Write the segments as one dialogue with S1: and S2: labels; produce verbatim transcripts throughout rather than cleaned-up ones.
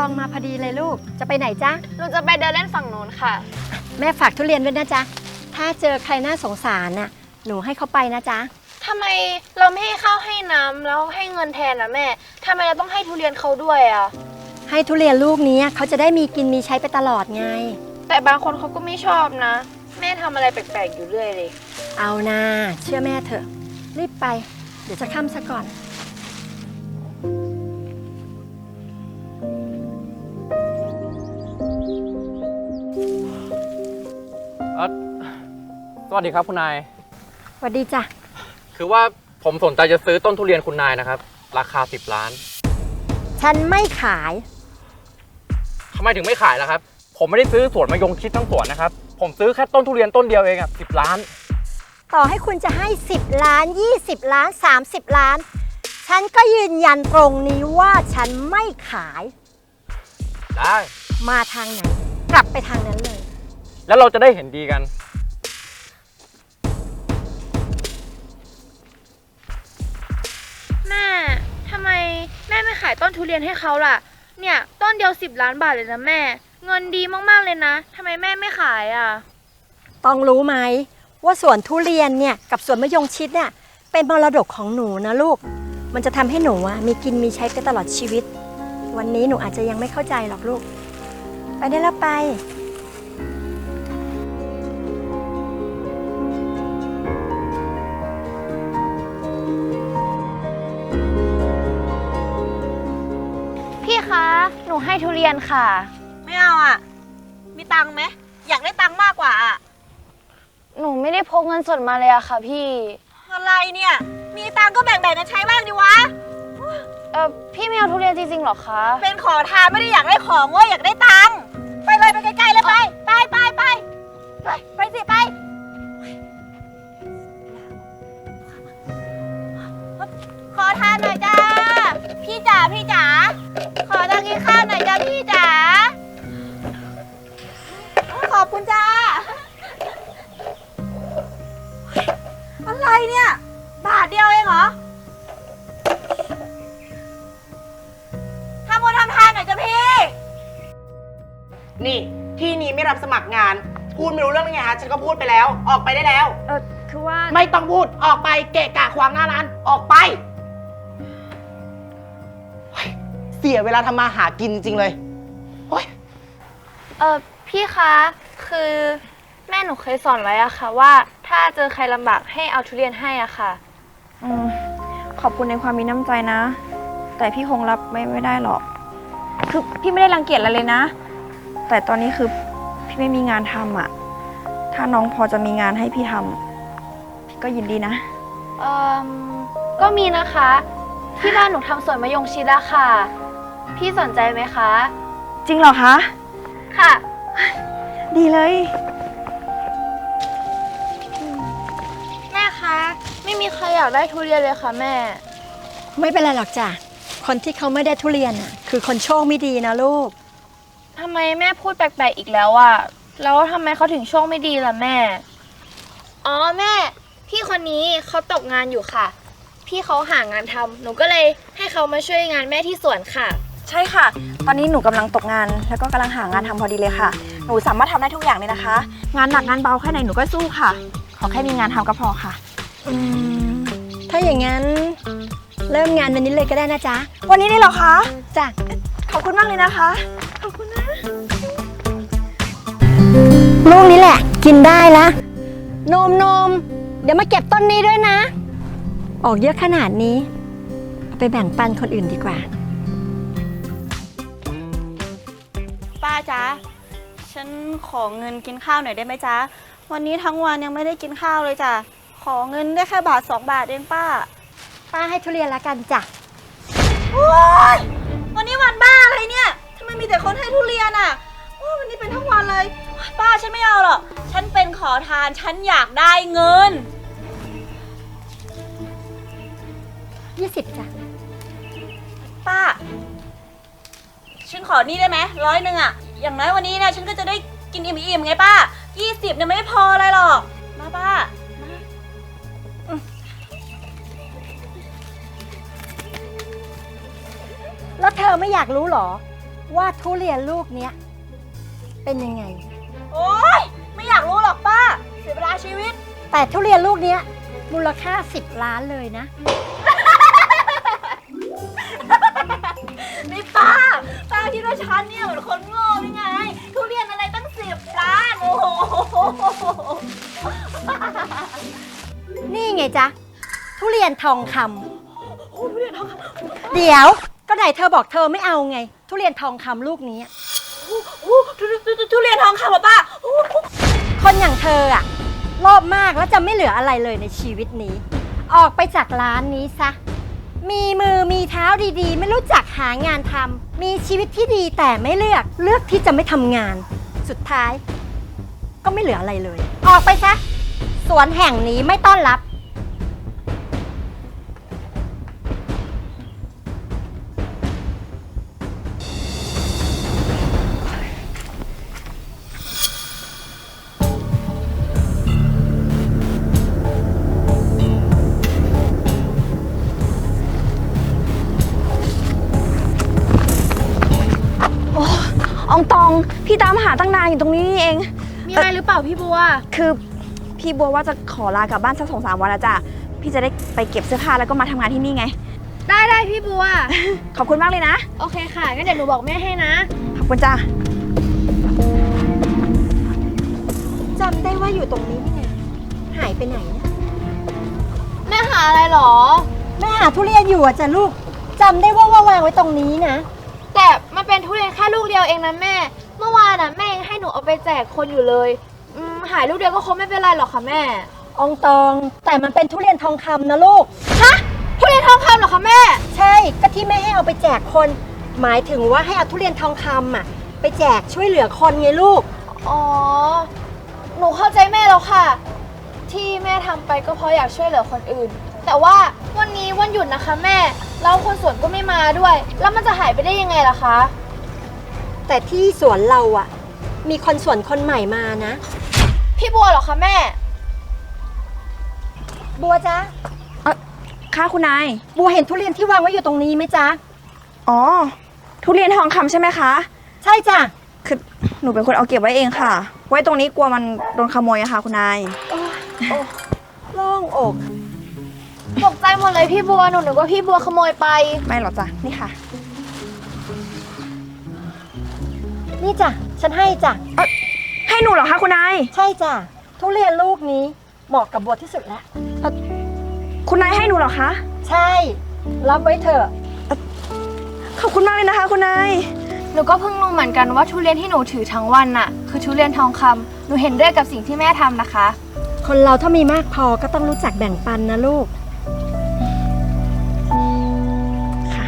S1: องมาพอดีเลยลูกจะไปไหนจ๊ะ
S2: หนูจะไปเดินเล่นฝั่งโน้นค่ะ
S1: แม่ฝากทุเรียนด้วยนะจ๊ะถ้าเจอใครน่าสงสารน่ะหนูให้เขาไปนะจ๊ะ
S2: ทำไมเราไม่ให้ข้าวให้น้ำแล้วให้เงินแทนนะแม่ทำไมเราต้องให้ทุเรียนเขาด้วยอ่ะ
S1: ให้ทุเรียนลูกนี้เขาจะได้มีกินมีใช้ไปตลอดไง
S2: แต่บางคนเขาก็ไม่ชอบนะแม่ทำอะไรแปลกๆอยู่เรื่อยเลย
S1: เอานะเชื่อแม่เถอะรีบไปเดี๋ยวจะค่ำซะก่อน
S3: สวัสดีครับคุณนาย
S1: สวัสดีจ้ะ
S3: คือว่าผมสนใจจะซื้อต้นทุเรียนคุณนายนะครับราคาสิบล้าน
S1: ฉันไม่ขาย
S3: ทำไมถึงไม่ขายล่ะครับผมไม่ได้ซื้อสวนมะยงชิดทั้งสวนนะครับผมซื้อแค่ต้นทุเรียนต้นเดียวเองอ่ะสิบล้าน
S1: ต่อให้คุณจะให้สิบล้านยี่สิบล้านสามสิบล้านฉันก็ยืนยันตรงนี้ว่าฉันไม่ขาย
S3: ได้
S1: มาทางไหนกลับไปทางนั้นเลย
S3: แล้วเราจะได้เห็นดีกัน
S2: แม่ทำไมแม่ไม่ขายต้นทุเรียนให้เขาล่ะเนี่ยต้นเดียวสิบล้านบาทเลยนะแม่เงินดีมากๆเลยนะทำไมแม่ไม่ขายอ่ะ
S1: ต้องรู้ไหมว่าสวนทุเรียนเนี่ยกับสวนมะยงชิดเนี่ยเป็นมรดกของหนูนะลูกมันจะทำให้หนูอะมีกินมีใช้ไปตลอดชีวิตวันนี้หนูอาจจะยังไม่เข้าใจหรอกลูกไปได้แล้วไป
S2: พี่คะหนูให้ทุเรียนค่ะ
S4: ไม่เอาอ่ะมีตังค์ไหมอยากได้ตังค์มากกว่าอ่ะ
S2: หนูไม่ได้พกเงินสดมาเลยอะค่ะพี่
S4: อะไรเนี่ยมีตังค์ก็แบ่งๆกันใช้บ้างดิวะ
S2: เออพี่ไม่เอาทุเรียนจริงๆหรอคะ
S4: เป็นขอทานไม่ได้อยากได้ของว่าอยากได้ตังค์ไปเลยไปไกลๆเลยไปไปไปไปไปไปสิไปขอทานหน่อยจ้าพี่จ๋าพี่จ๋าขอตังค์กินข้าวหน่อยจ้าพี่จ๋าขอบคุณจ้าอะไรเนี่ยบาทเดียวเองเหรอทำบุญทำทานหน่อยจ้ะพี่
S5: นี่ที่นี้ไม่รับสมัครงานพูดไม่รู้เรื่องไงฮะฉันก็พูดไปแล้วออกไปได้แล้ว
S1: เออคือว่า
S5: ไม่ต้องพูดออกไปเกะกะขวางหน้าร้านออกไปเสียเวลาทำมาหากินจริงเลยโอ๊ย
S2: เออพี่คะคือแม่หนูเคยสอนไว้อะค่ะว่าถ้าเจอใครลำบากให้เอาทุเรียนให้อะค่ะ
S6: อืมขอบคุณในความมีน้ำใจนะแต่พี่คงรับไม่ไม่ได้หรอกคือพี่ไม่ได้รังเกียจอะไรเลยนะแต่ตอนนี้คือพี่ไม่มีงานทำอะถ้าน้องพอจะมีงานให้พี่ทำพี่ก็ยินดีนะ
S2: เออก็มีนะคะที่บ้านหนูทำสวนมะยงชิดอะค่ะพี่สนใจไหมคะ
S6: จริงเหรอคะ
S2: ค่ะ
S6: ดีเลย
S2: แม่คะไม่มีใครอยากได้ทุเรียนเลยค่ะแม่
S1: ไม่เป็นไรหรอกจ้ะคนที่เขาไม่ได้ทุเรียนอ่ะคือคนโชคไม่ดีนะลูก
S2: ทำไมแม่พูดแปลกๆอีกแล้วอ่ะแล้วทำไมเขาถึงโชคไม่ดีล่ะแม่อ๋อแม่พี่คนนี้เขาตกงานอยู่ค่ะพี่เขาหางานทำหนูก็เลยให้เขามาช่วยงานแม่ที่สวนค่ะ
S6: ใช่ค่ะตอนนี้หนูกำลังตกงานแล้วก็กำลังหางานทำพอดีเลยค่ะหนูสามารถทำได้ทุกอย่างเลยนะคะงานหนักงานเบาแค่ไหนหนูก็สู้ค่ะขอแค่มีงานทำก็พอค่ะ
S1: อืมถ้าอย่างนั้นเริ่มงานวันนี้เลยก็ได้นะจ๊ะ
S6: วันนี้ได้เหรอคะ
S1: จ้ะ
S6: ขอบคุณมากเลยนะคะขอบคุณนะ
S1: ลูกนี้แหละกินได้ละนมนมเดี๋ยวมาเก็บต้นนี้ด้วยนะออกเยอะขนาดนี้เอาไปแบ่งปันคนอื่นดีกว่า
S4: ป้าจ๊ะฉันขอเงินกินข้าวหน่อยได้ไหมจ๊ะวันนี้ทั้งวันยังไม่ได้กินข้าวเลยจ้ะขอเงินได้แค่บาทสองบาทเองป้า
S1: ป้าให้ทุเรียนละกันจ้ะ
S4: โอ๊ยวันนี้วันบ้าอะไรเนี่ยทำไมมีแต่คนให้ทุเรียนอ่ะโอ้วันนี้เป็นทั้งวันเลยป้าฉันไม่เอาหรอกฉันเป็นขอทานฉันอยากได้เงิน
S1: ยี่สิบจ้ะ
S4: ป้าฉันขอนี่ได้ไหมร้อยหนึ่งอ่ะอย่างน้อยวันนี้นะฉันก็จะได้กินอิ่มๆไงป้ายี่สิบเนี่ยไม่พออะไรหรอกมาป้า
S1: แล้วเธอไม่อยากรู้หรอว่าทุเรียนลูกเนี้ยเป็นยังไง
S4: โอ๊ย ไม่อยากรู้หรอกป้า เสียเวลาชีวิต
S1: แต่ทุเรียนลูกเนี้ยมูลค่าสิบล้านเลยนะ
S4: นี่ป้า ป้าคิดว่าฉันเนี่ยเหมือนคนโง่หรือไง ทุเรียนอะไรตั้งสิบล้าน โอ้โห
S1: นี่ไงจ๊ะ ทุเรียนทองค
S4: โอ้ทุเรียนทองคำ
S1: ำเดี๋ยวก็ไหนเธอบอกเธอไม่เอาไง ทุเรียนทองคำลูกนี้
S4: โอ้ทุทุทุทุเรียนทองคำเหรอป้าโอ้
S1: คนอย่างเธออะโลภมากแล้วจะไม่เหลืออะไรเลยในชีวิตนี้ ออกไปจากร้านนี้ซะ มีมือมีเท้าดีๆ ไม่รู้จักหางานทำมีชีวิตที่ดีแต่ไม่เลือกเลือกที่จะไม่ทำงาน สุดท้าย ก็ไม่เหลืออะไรเลย ออกไปซะ สวนแห่งนี้ไม่ต้อนรับ
S6: อองตอง พี่ตามหาตั้งนานอยู่ตรงนี้นี่เอง
S2: มีอะไรหรือเปล่าพี่บัว
S6: คือพี่บัวว่าจะขอลากลับบ้านสักสองสามวันแล้วจ้ะ พี่จะได้ไปเก็บเสื้อผ้าแล้วก็มาทำงานที่นี่ไง
S2: ได้ได้พี่บัว
S6: ขอบคุณมากเลยนะ
S2: โอเคค่ะ งั้นเดี๋ยวหนูบอกแม่ให้นะ
S6: ขอบคุณจ้า
S1: จำได้ว่าอยู่ตรงนี้นี่ไงหายไปไหนเนี่ย
S2: แม่หาอะไรหรอ
S1: แม่หาทุเรียนอยู่อะจ้ะลูกจำได้ว่าว่าวางไว้ตรงนี้นะ
S2: แต่มันเป็นทุเรียนแค่ลูกเดียวเองนะแม่ เมื่อวานน่ะแม่ยังให้หนูเอาไปแจกคนอยู่เลยอืมหายลูกเดียวก็คงไม่เป็นไรหรอกค่ะแม่
S1: อองตอง แต่มันเป็นทุเรียนทองคำนะลูก
S2: ฮะ ทุเรียนทองคำเหรอคะแม่
S1: ใช่ ก็ที่แม่ให้เอาไปแจกคน หมายถึงว่าให้เอาทุเรียนทองคำอ่ะ ไปแจกช่วยเหลือคนไงลูก
S2: อ๋อ หนูเข้าใจแม่แล้วค่ะ ที่แม่ทำไปก็เพราะอยากช่วยเหลือคนอื่น แต่ว่าวันนี้วันหยุดนะคะแม่ แล้วคนสวนก็ไม่มาด้วย แล้วมันจะหายไปได้ยังไงล่ะคะ
S1: แต่ที่สวนเราอ่ะ มีคนสวนคนใหม่มานะ
S2: พี่บัวเหรอคะแม่
S1: บัวจ๊ะ
S6: ค่ะคุณนาย
S1: บัวเห็นทุเรียนที่วางไว้อยู่ตรงนี้ไหมจ๊ะ
S6: อ๋อ ทุเรียนทองคำใช่ไหมคะ
S1: ใช่จ้ะ
S6: คือหนูเป็นคนเอาเก็บไว้เองค่ะ ไว้ตรงนี้กลัวมันโดนขโมยอะค่ะคุณนาย
S1: โล่งอก
S2: ตกใจหมดเลยพี่บัว หนูนึกว่าพี่บัวขโมยไป
S6: ไม่หรอกจ้ะ นี่ค่ะ
S1: นี่จ้ะ ฉันให้จ้ะ
S6: ให้หนูเหรอคะคุณนาย
S1: ใช่จ้ะ ทุเรียนลูกนี้เหมาะกับบัวที่สุดแล้ว
S6: คุณนายให้หนูเหรอคะ
S1: ใช่ รับไว้เถอะ
S6: ขอบคุณมากเลยนะคะคุณนาย
S2: หนูก็เพิ่งรู้เหมือนกันว่าทุเรียนที่หนูถือทั้งวันน่ะ คือทุเรียนทองคำหนูเห็นด้วยกับสิ่งที่แม่ทำนะคะ
S1: คนเราถ้ามีมากพอก็ต้องรู้จักแบ่งปันนะลูก
S6: ค่ะ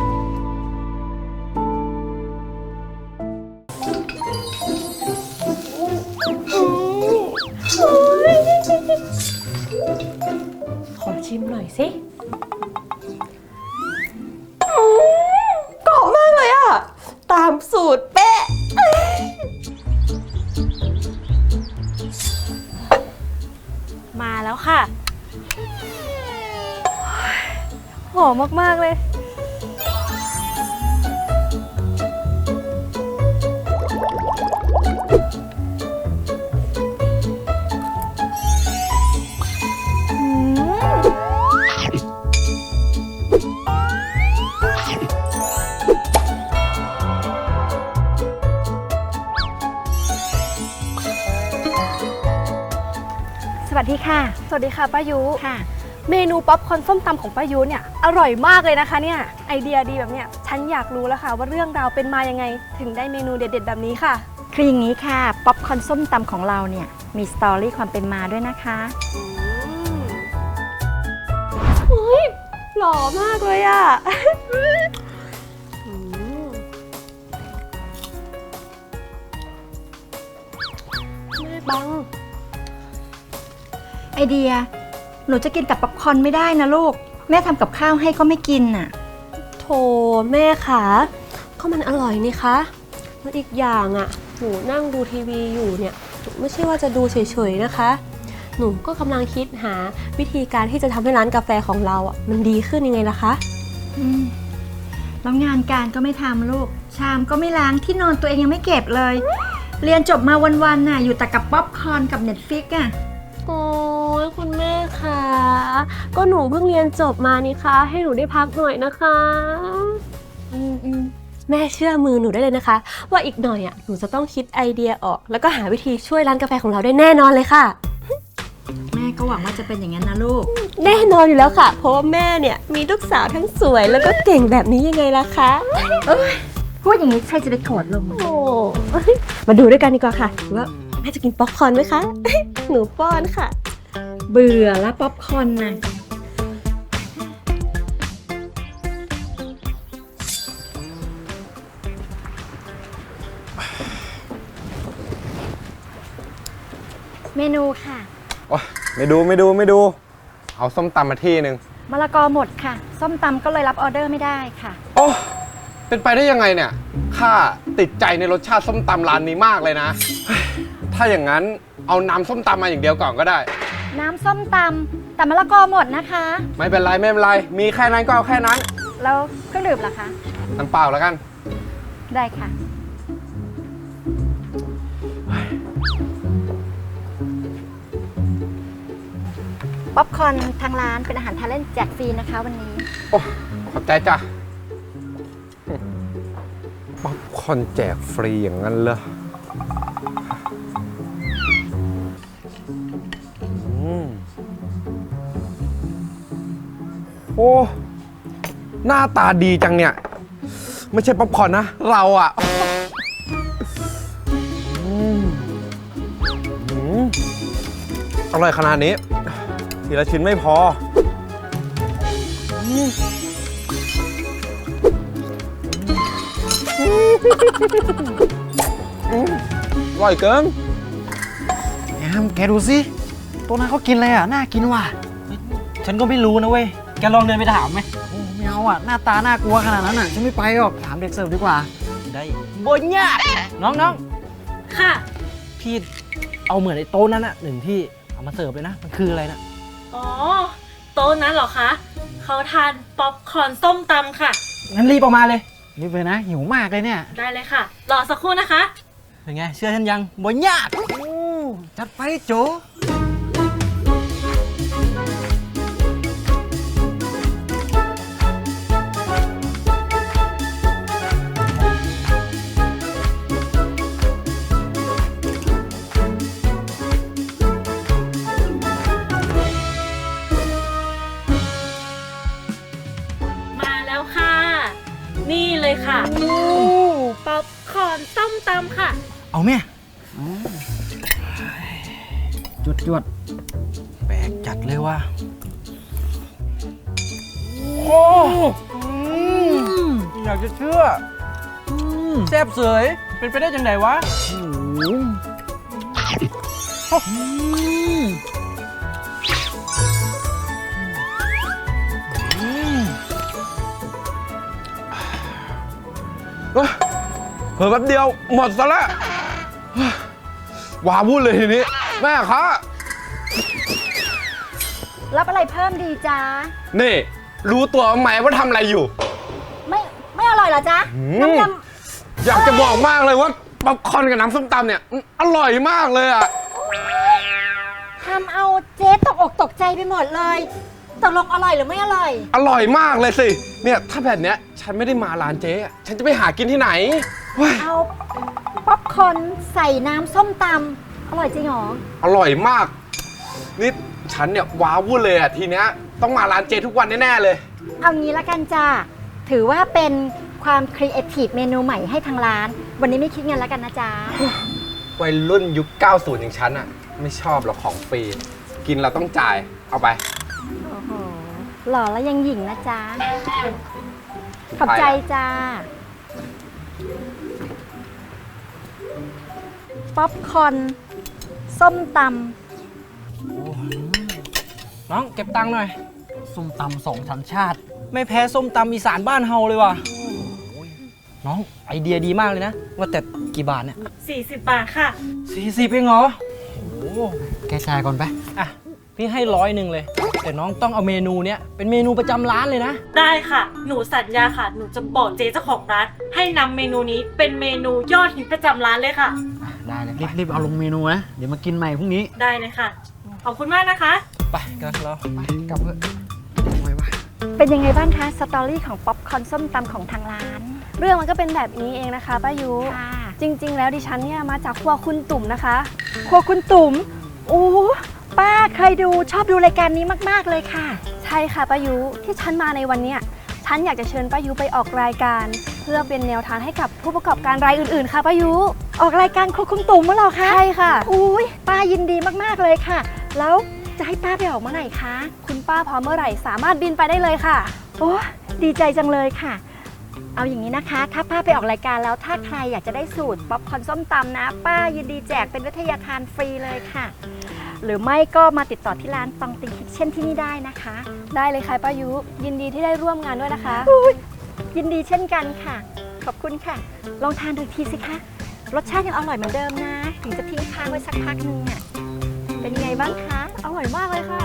S7: ขอชิมหน่อยสิ
S5: กรอบมากเลยอะตามสูตรเป๊ะ
S7: มาแล้วค่ะ หอมมากๆเลย
S1: สวัสดีค่ะ
S7: สวัสดีค่ะป้ายุ
S1: ค่ะ
S7: เมนูป๊อปคอร์นส้มตำของป้ายุเนี่ยอร่อยมากเลยนะคะเนี่ยไอเดียดีแบบเนี้ยฉันอยากรู้แล้วค่ะว่าเรื่องราวเป็นมายังไง ถึงได้เมนูเด็ดๆแบบนี้ค่ะ
S1: คืออย่างนี้ค่ะ ป๊อปคอร์นส้มตำของเราเนี่ย มีสตอรี่ความเป็นมาด้วยนะคะ
S7: หล่อมากเลยอะ แม่บัง
S1: ไอเดีย หนูจะกินกับป๊อปคอร์นไม่ได้นะลูก แม่ทำกับข้าวให้ก็ไม่กินน่ะ
S7: โถแม่ขาก็มันอร่อยนี่คะแล้วอีกอย่างอะ่ะหนูนั่งดูทีวีอยู่เนี่ยหนูไม่ใช่ว่าจะดูเฉยๆนะคะ หนูก็กำลังคิดหาวิธีการที่จะทำให้ร้านกาแฟของเราอ่ะมันดีขึ้นยังไงล่ะคะ
S1: อืมแล้วงานการก็ไม่ทำลูกชามก็ไม่ล้างที่นอนตัวเองยังไม่เก็บเลย เรียนจบมาวันๆน่ะอยู่แต่กับป๊อปคอร์นกับเน็ตฟลิกอ่ะ
S7: โอ้ยคุณแม่คะก็หนูเพิ่งเรียนจบมานี่คะให้หนูได้พักหน่อยนะคะอืมอืมแม่เชื่อมือหนูได้เลยนะคะ ว่าอีกหน่อยอ่ะหนูจะต้องคิดไอเดียออก แล้วก็หาวิธีช่วยร้านกาแฟของเราได้แน่นอนเลยค่ะ
S1: แม่ก็หวังว่าจะเป็นอย่างนั้นนะลูก
S7: แน่นอนอยู่แล้วค่ะ เพราะว่าแม่เนี่ยมีลูกสาวทั้งสวยแล้วก็เก่งแบบนี้ยังไงล่ะคะ
S1: พูดอย่างนี้ใครจะไปโกรธลง
S7: โอ้มาดูด้วยกันดีกว่าค่ะว่าแม่จะกินป๊อปคอร์นไหมคะ หนูป้อนค่ะ
S1: เบื่อแล้วป๊อปคอร์นน่ะเมนูค่ะ
S3: โอ๊ยไม่ดูไม่ดูไม่ดู เอาส้มตำมาที่หนึ่ง
S1: มะละกอหมดค่ะ ส้มตำก็เลยรับออเดอร์ไม่ได้ค่ะ
S3: โอ้เป็นไปได้ยังไงเนี่ยข้าติดใจในรสชาติส้มตำร้านนี้มากเลยนะเฮ้ยถ้าอย่างนั้นเอาน้ำส้มตำมาอย่างเดียวก่อนก็ได้
S1: น้ำส้มตำแต่มะละกอหมดนะคะ
S3: ไม่เป็นไรไม่เป็นไร มีแค่นั้นก็เอาแค่นั้น
S1: แล้วเครื่องดื่มล่ะคะ
S3: น้ำเปล่าแล้วกัน
S1: ได้ค่ะ ป๊อปคอร์นทางร้านเป็นอาหารทานเล่นแจกฟรีนะคะวันนี้
S3: โอ้ขอบใจจ้ะป๊อปคอร์นแจกฟรีอย่างนั้นเหรออืมโอ้หน้าตาดีจังเนี่ย ไม่ใช่ป๊อปคอร์นนะ เราอ่ะอืมอืมอร่อยขนาดนี้ ทีละชิ้นไม่พออืมอร่อยเกิน
S8: แอมแกดูสิตัวนั้นเขากินอะไรอ่ะ น่ากินว่ะ
S9: ฉันก็ไม่รู้นะเว้ย แกลองเดินไปถามไหม
S8: โอ้ไม่เอาอ่ะ หน้าตาน่ากลัวขนาดนั้นอ่ะ ฉันไม่ไปหรอก ถามเด็กเสิร์ฟดีกว่า
S9: ได้บนยากน้องน้อง
S7: ค่ะ
S9: พี่เอาเหมือนไอ้โต๊ะนั้นอะหนึ่งที่เอามาเสิร์ฟเลยนะ มันคืออะไรนะ
S7: อ๋อ โต๊ะนั้นเหรอคะเขาทานป๊อปคอร์นส้มตำค่ะ
S9: งั้นรีบออกมาเลย
S8: รีบเลยนะ หิวมากเลยเนี่ย
S7: ได้เลยค่ะ รอสักครู่นะคะ
S9: เป็นไง เชื่อฉันยังบนยาก
S8: โอ้จัดไปโจ
S7: มาแล้วค่ะ นี่เลยค่ะป๊อปคอร์นส้มตำค่ะ
S9: เอาแม่จวดจวดแปลกจัดเลยว่ะโอ้อยากจะเชื่อแซ่บเสยเป็นไปได้จังไงวะ
S3: เฮ้ยเผลอแป๊บเดียวหมดซะแล้วว้าวุ่นเลยทีนี้ แม่คะ
S1: รับอะไรเพิ่มดีจ๊ะ
S3: นี่ รู้ตัวไหมว่าทำอะไรอยู่
S1: ไม่ไม่อร่อยเหรอจ๊ะ
S3: อืม
S1: น้ำย
S3: อยากจะบอกมากเลยว่าป๊อปคอร์นกับน้ำส้มตำเนี่ยมันอร่อยมากเลยอ่ะ
S1: ำทำเอาเจ๊ตกอกตกใจไปหมดเลยตกลงอร่อยหรือไม่อร่อย
S3: อร่อยมากเลยสิ เนี่ยถ้าแบบเนี้ยฉันไม่ได้มาร้านเจ๊อะฉันจะไปหากินที่ไหนเฮ้ย
S1: เอาป๊อปคอร์นใส่น้ำส้มตำอร่อยจริงเหรอ
S3: อร่อยมาก นี่ฉันเนี่ยว้าวุ่นเลยอ่ะทีเนี้ยต้องมาร้านเจ๊ทุกวันแน่ๆเลย
S1: เอางี้ละกันจ้าถือว่าเป็นความครีเอทีฟเมนูใหม่ให้ทางร้าน วันนี้ไม่คิดเงินแล้วกันนะจ๊ะ
S3: วัยรุ่นยุค เก้าสิบ อย่างฉันอ่ะ ไม่ชอบหรอกของฟรี กินเราต้องจ่าย เอาไป
S1: โอ้โหหล่อแล้วยังหยิ่งนะจ๊ะ ขอบใจจ้า ป๊อปคอร์นส้มต
S9: น้องเก็บตังค์หน่อย ส้มตำสองสัญชาติ ไม่แพ้ส้มตำอีสานบ้านเฮาเลยว่ะน้องไอเดียดีมากเลยนะ ว่าแต่กี่บาทเนี่ย
S7: สี่สิบบาทค่ะ
S9: สี่สิบเองเหรอโอ้
S8: แกชายก่อนไป
S9: อ่ะ พพี่ให้ร้อยหนึ่งเลย แต่น้องต้องเอาเมนูเนี้ยเป็นเมนูประจำร้านเลยนะ
S10: ได้ค่ะ หนูสัญญาค่ะ หนูจะบอกเจ๊เจ้าของร้าน ให้นำเมนูนี้เป็นเมนูยอดฮิตประจำร้านเลยค่ะ
S8: ได้เลยรีบรีบเอาลงเมนูนะ เดี๋ยวมากินใหม่พรุ่งนี้
S10: ได้เลยค่ะ ขอบคุณมากนะคะ
S9: ไปกันเรา
S8: ไปกลับเถอะไว้วะ
S1: เป็นยังไงบ้างคะสตอรี่ของป๊อปคอร์นส้มตำของทางร้าน
S6: เรื่องมันก็เป็นแบบนี้เองนะคะป้ายุ
S1: ค่ะ
S6: จริง ๆ แล้วดิฉันเนี่ยมาจากครัวคุณตุ่มนะคะ
S1: ครัวคุณตุ๋มโอ้ป้าเคยดูชอบดูรายการนี้มากๆเลยค่ะ
S6: ใช่ค่ะป้ายุที่ฉันมาในวันเนี้ยฉันอยากจะเชิญป้ายุไปออกรายการ เพื่อเป็นแนวทางให้กับผู้ประกอบการรายอื่นๆค่ะป้ายุ
S1: ออกรายการครัวคุณตุ๋มมั้งเหรอคะ
S6: ใช่ค่ะ
S1: อุ้ยป้ายินดีมากๆเลยค่ะ แล้วจะให้ป้าไปออกเมื่อไหร่คะ
S6: คุณป้าพร้อมเมื่อไหร่สามารถบินไปได้เลยค่ะ
S1: โอ้ดีใจจังเลยค่ะ เอาอย่างนี้นะคะ ถ้าป้าไปออกรายการแล้วถ้าใครอยากจะได้สูตรป๊อปคอร์นส้มตำนะ ป้ายินดีแจกเป็นวิทยาทานฟรีเลยค่ะ หรือไม่ก็มาติดต่อที่ร้านตองติงคิทเช่นที่นี่ได้นะคะ
S6: ได้เลยค่ะป้ายุยินดีที่ได้ร่วมงานด้วยนะคะ
S1: ยินดีเช่นกันค่ะ ขอบคุณค่ะ ลองทานดูอีกทีสิคะรสชาติยังอร่อยเหมือนเดิมนะ ถึงจะทิ้งค้างไว้สักพักนึงอ่ะเป็นยังไงบ้างคะ
S6: อร่อยมากเลยค่ะ